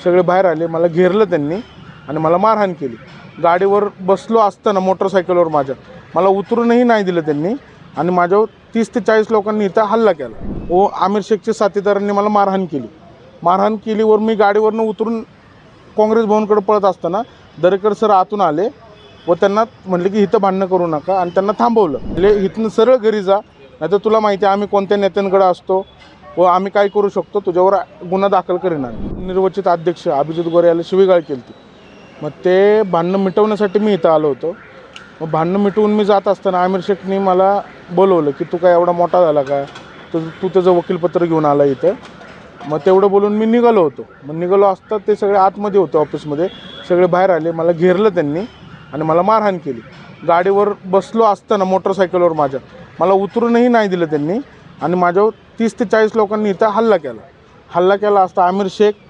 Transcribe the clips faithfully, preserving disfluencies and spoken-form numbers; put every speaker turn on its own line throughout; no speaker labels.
सगळे बाहेर आले, मला घेरलं त्यांनी आणि मला मारहाण केली। गाडीवर बसलो असताना मोटरसायकलवर माझ्या मला उतरूनही नाही दिलं त्यांनी आणि माझ्यावर तीस ते चाळीस लोकांनी इथं हल्ला केला। व आमिर शेखच्या साथीदारांनी मला मारहाण केली मारहाण केलीवर मी गाडीवरनं उतरून काँग्रेस भवनकडे पळत असताना दरेकर सर आतून आले व त्यांना म्हटले की इथं भांडणं करू नका आणि त्यांना थांबवलं। म्हणजे इथनं सरळ घरी जा, नाही तर तुला माहिती आहे आम्ही कोणत्या नेत्यांकडे असतो व आम्ही काय करू शकतो, तुझ्यावर गुन्हा दाखल करीन। निर्वचित अध्यक्ष अभिजित गोरे याला शिवीगाळ केली ती, मग ते भांडणं मिटवण्यासाठी मी इथं आलो होतो। मग भांडणं मिटवून मी जात असताना आमिर शेखनी मला बोलवलं की तू काय एवढा मोठा झाला का, तर तू त्याचं वकीलपत्र घेऊन आला इथं। मग तेवढं बोलून मी निघालो होतो। मग निघालो असता ते सगळे आतमध्ये होते ऑफिसमध्ये, सगळे बाहेर आले, मला घेरलं त्यांनी आणि मला मारहाण केली। गाडीवर बसलो असताना मोटरसायकलवर माझ्या मला उतरूनही नाही दिलं त्यांनी आणि माझ्यावर तीस ते चाळीस लोकांनी इथं हल्ला केला हल्ला केला असता आमिर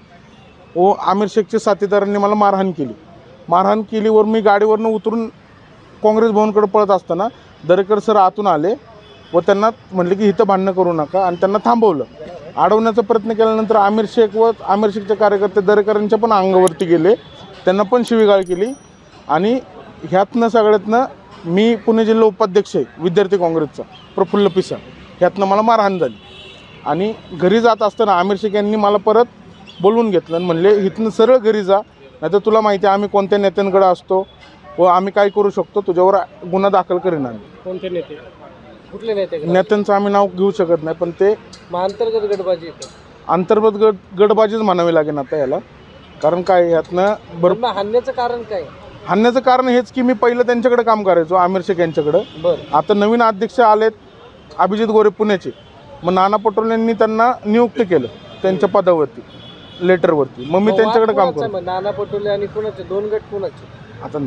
शेख व आमिर शेखच्या साथीदारांनी मला मारहाण केली मारहाण केलीवर मी गाडीवरनं उतरून काँग्रेस भवनकडे पळत असताना दरेकर सर आतून आले व त्यांना म्हटले की इथं भांडणं करू नका आणि त्यांना थांबवलं। अडवण्याचा प्रयत्न केल्यानंतर आमिर शेख व आमिर शेखचे कार्यकर्ते दरेकरांच्या पण अंगावरती गेले, त्यांना पण शिवीगाळ केली आणि ह्यातनं सगळ्यातनं मी पुणे जिल्हा उपाध्यक्ष आहे विद्यार्थी काँग्रेसचा प्रफुल्ल पिसा, ह्यातनं मला मारहाण झाली आणि घरी जात असताना आमिर शेख यांनी मला परत बोलवून घेतलं आणि म्हणले इथनं सरळ घरी जा, नाही तर तुला माहिती आहे आम्ही कोणत्या नेत्यांकडे असतो व आम्ही काय करू शकतो, तुझ्यावर गुन्हा दाखल करीन। आम्ही
कोणते नेते, कुठले नेते?
नेत्यांचं आम्ही नाव घेऊ शकत नाही, पण ते
अंतर्गत गटबाजी
अंतर्गत गट गटबाजीच म्हणावी लागेल आता याला, कारण काय यातनं
बरं हाणण्याचं कारण काय?
हाणण्याचं कारण हेच की मी पहिलं त्यांच्याकडे काम करायचो आमिर शेख यांच्याकडं,
बरं
आता नवीन अध्यक्ष आलेत अभिजित गोरे पुण्याचे, मग नाना पटोले यांनी त्यांना नियुक्त केलं त्यांच्या पदावरती लेटरवरती, मग मी त्यांच्याकडे काम करतो।
नाना पटोले आणि कुणाचे दोन गट कुणाचे?
आता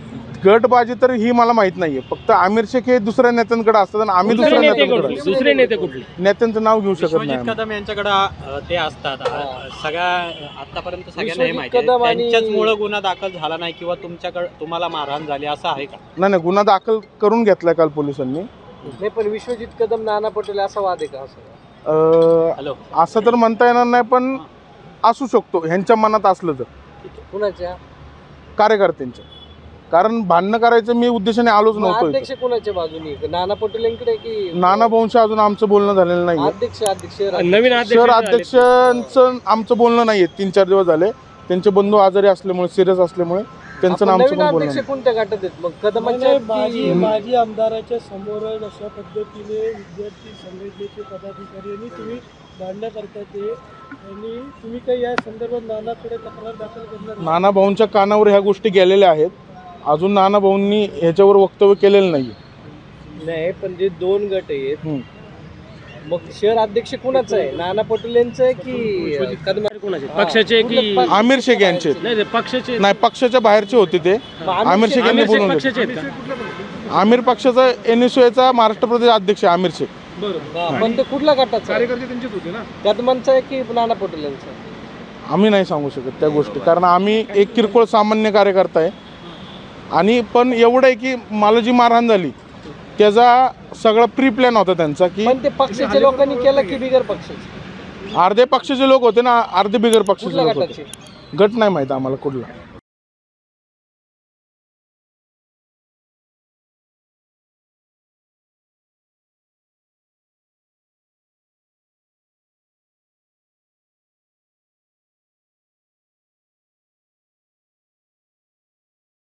गटबाजी तर ही मला माहित नाहीये, फक्त आमिर शेख हे दुसऱ्या नेत्यांकडे असतात आणि आम्ही दुसऱ्या नेत्यांकडे
दुसरे नेते कुठले?
नेत्यांचं नाव घेऊ शकत नाही।
कदम यांच्याकडे ते असतात सगळ्या आतापर्यंत सगळ्यांना हे माहिती आहे, त्यांच्याचमुळे गुन्हा दाखल झाला नाही किंवा तुमच्याकडे तुम्हाला मारहाण झाली असं आहे का?
नाही नाही, गुन्हा दाखल करून घेतलाय काल पोलिसांनी।
नाही पण विश्वजित कदम नाना पटोले असा वाद आहे का?
हॅलो
असं तर म्हणता येणार नाही, पण असू शकतो ह्यांच्या मनात असलं तर,
कुणाच्या?
कार्यकर्त्यांच्या, कारण भांडणं करायचं मी उद्देशाने आलोच नव्हतो।
अध्यक्ष कुणाच्या बाजूनी, नाना पटोलेंकडे की
नाना भाऊंशी अजून आमचं बोलणं झालेलं नाही।
अध्यक्ष अध्यक्ष
नवीन
शहर अध्यक्षांचं आमचं बोलणं नाहीये, तीन चार दिवस झाले, त्यांचे बंधू आजारी असल्यामुळे सिरियस असल्यामुळे त्यांचं आमचं पण बोलणं नाही।
कोणत्या गटात आहेत मग? कदमांच्या
माजी माजी आमदाराच्या समोर अशा पद्धतीने विद्यार्थी संघटनेचे पदाधिकारी आणि तुम्ही भांडणं करता ते, आणि तुम्ही काही या संदर्भात नानाकडे तक्रार दाखल करणार?
नाना भाऊंच्या कानावर ह्या गोष्टी गेलेल्या आहेत, अजून नाना भाऊंनी ह्याच्यावर वक्तव्य केलेलं नाही।
नाही पण जे दोन गट आहेत मग शहर अध्यक्ष कुणाचं आहे? नाना पटोलेंचं आहे की कदम कुणाचे?
पक्षाचे की
आमिर शेख यांचे?
नाही पक्षाचे
नाही, पक्षाच्या बाहेरचे होते ते, आमिर शेख यांनी बोलून
पक्षाचे आहेत का?
आमिर पक्षाचा एन एस यूचा महाराष्ट्र प्रदेश अध्यक्ष आमिर शेख।
बरोबर, पण ते कुठल्या गटाचा?
कार्यकर्ते त्यांचेच होते ना?
कदमांचा आहे की नाना पटोलेंचा?
आम्ही नाही सांगू शकत त्या गोष्टी, कारण आम्ही एक किरकोळ सामान्य कार्यकर्ता आहे आणि पण एवढं आहे की मला जी मारहाण झाली त्याचा सगळा प्री प्लॅन होता त्यांचा, की
पण ते पक्षाच्या लोकांनी केलं की बिगर पक्षाचे?
अर्धे पक्षाचे लोक होते ना, अर्धे बिगर पक्षाचे
कुठल्या
लोक होते।
गटाचे?
गट नाही माहिती आम्हाला कुठला।